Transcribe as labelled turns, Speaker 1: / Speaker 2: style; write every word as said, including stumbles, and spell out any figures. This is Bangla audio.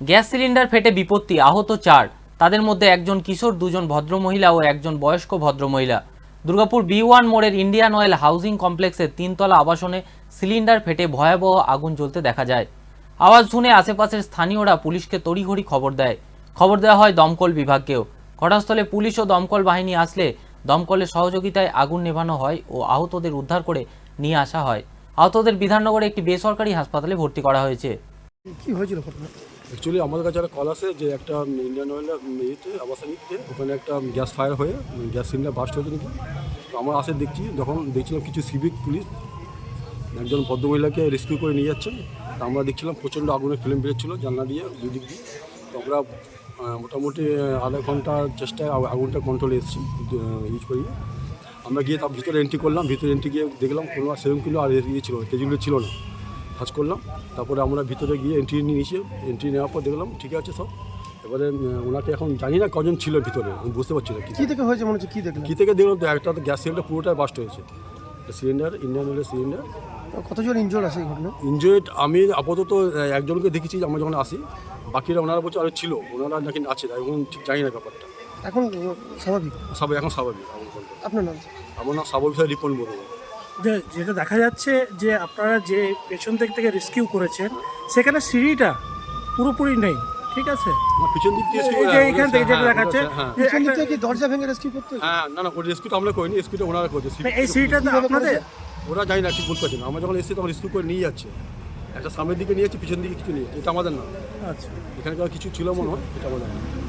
Speaker 1: গ্যাস সিলিন্ডার ফেটে বিপত্তি, আহত চার। তাদের মধ্যে একজন কিশোর, দুজন ভদ্রমহিলা ও একজন বয়স্ক ভদ্রমহিলা। দুর্গাপুর বি ওয়ান মোড়ের ইন্ডিয়ান অয়েল হাউজিং কমপ্লেক্সের তিনতলা আবাসনে সিলিন্ডার ফেটে ভয়াবহ আগুন জ্বলতে দেখা যায়। আওয়াজ শুনে আশেপাশের স্থানীয়রা পুলিশকে তড়িঘড়ি খবর দেয়। খবর দেওয়া হয় দমকল বিভাগকেও। ঘটনাস্থলে পুলিশ ও দমকল বাহিনী আসলে দমকলের সহযোগিতায় আগুন নেভানো হয় ও আহতদের উদ্ধার করে নিয়ে আসা হয়। আহতদের বিধাননগরে একটি বেসরকারি হাসপাতালে ভর্তি করা হয়েছে।
Speaker 2: কি হয়েছিল ঘটনা?
Speaker 3: অ্যাকচুয়ালি আমাদের কাছে একটা কল আসে যে একটা ইন্ডিয়ান অয়েলের ইয়েতে আবাসনিকতে ওখানে একটা গ্যাস ফায়ার হয়ে গ্যাস সিলিন্ডার বাস্ট হয়েছে নাকি। তো আমরা আসে দেখছি, যখন দেখছিলাম কিছু সিভিক পুলিশ একজন ভদ্রমহিলাকে রেস্কিউ করে নিয়ে যাচ্ছেন। তো আমরা দেখছিলাম প্রচণ্ড আগুনের ফিল্ম বেরোচ্ছিলো জানলা দিয়ে দুই দিক দিয়ে। তো আমরা আহ, মোটামুটি আধা ঘন্টার চেষ্টায় আগ- আগুনটা কন্ট্রোলে এসেছি ইউজ করি। আমরা গিয়ে তার ভিতরে এন্ট্রি করলাম, ভিতরে এন্ট্রি গিয়ে দেখলাম কোনো সেরকম কিলো আর ইয়ে ছিল তেজগুলো ছিল না, কাজ করলাম। তারপরে আমরা ভিতরে গিয়ে এন্ট্রি নিয়েছি, এন্ট্রি নেওয়ার পর দেখলাম ঠিক আছে সব। এবারে উম, ওনাকে এখন জানি না কজন ছিল ভিতরে, আমি বুঝতে পারছি না কি
Speaker 2: কি থেকে হয়েছে মনে হচ্ছে? কি দেখলেন?
Speaker 3: কী থেকে দেখলাম। তো একটা তো গ্যাস সিলিন্ডার পুরোটাই বাস্ট হয়েছে, সিলিন্ডার ইন্ডিয়ান অয়েলের সিলিন্ডার।
Speaker 2: কতজন ইনজোর্ড আছে এই ঘটনা?
Speaker 3: ইনজয়েড আমি আপাতত আহ, একজনকে দেখেছি আমরা যখন আসি, বাকিরা ওনারা বলছে আরও ছিল, ওনারা নাকি আছে, এখন ঠিক জানি না ব্যাপারটা।
Speaker 2: এখন আহ, স্বাভাবিক?
Speaker 3: সবাই এখন স্বাভাবিক। এখন বলতে
Speaker 2: আপনার নাম?
Speaker 3: আমার নাম সাব অফিসার রিপন বড়ুয়া।
Speaker 4: যে যেটা দেখা যাচ্ছে যে আপনারা যে পেছন দিক থেকে রেস্কিউ করেছেন সেখানে সিঁড়িটা পুরোপুরি নেই, ঠিক আছে?
Speaker 3: আমার পিছন দিক দিয়ে
Speaker 4: এই যে এখান থেকে যেটা দেখাচ্ছে
Speaker 3: হ্যাঁ
Speaker 4: যে
Speaker 2: পিছন দিক
Speaker 4: একটা-
Speaker 2: থেকে কি দরজা ভেঙে রেস্কিউ করতে হয়েছে?
Speaker 3: হ্যাঁ না না ওই রেস্কিউটা আমরা করিনি, রেস্কিউটা ওনারা করেছে।
Speaker 4: মানে এই সিঁড়িটা তো আপনাদের?
Speaker 3: ওরা জানি না, ঠিক বলতে পারছি না। আমরা যখন এসেছি তখন রেস্কিউ করে নিয়ে যাচ্ছে, একটা সামনের দিকে নিয়ে যাচ্ছে, পিছন দিকে কিছু নিয়ে যাচ্ছে, এটা আমাদের না।
Speaker 4: আচ্ছা,
Speaker 3: এখানকার কিছু ছিল মনে হয়, এটা আমাদের না।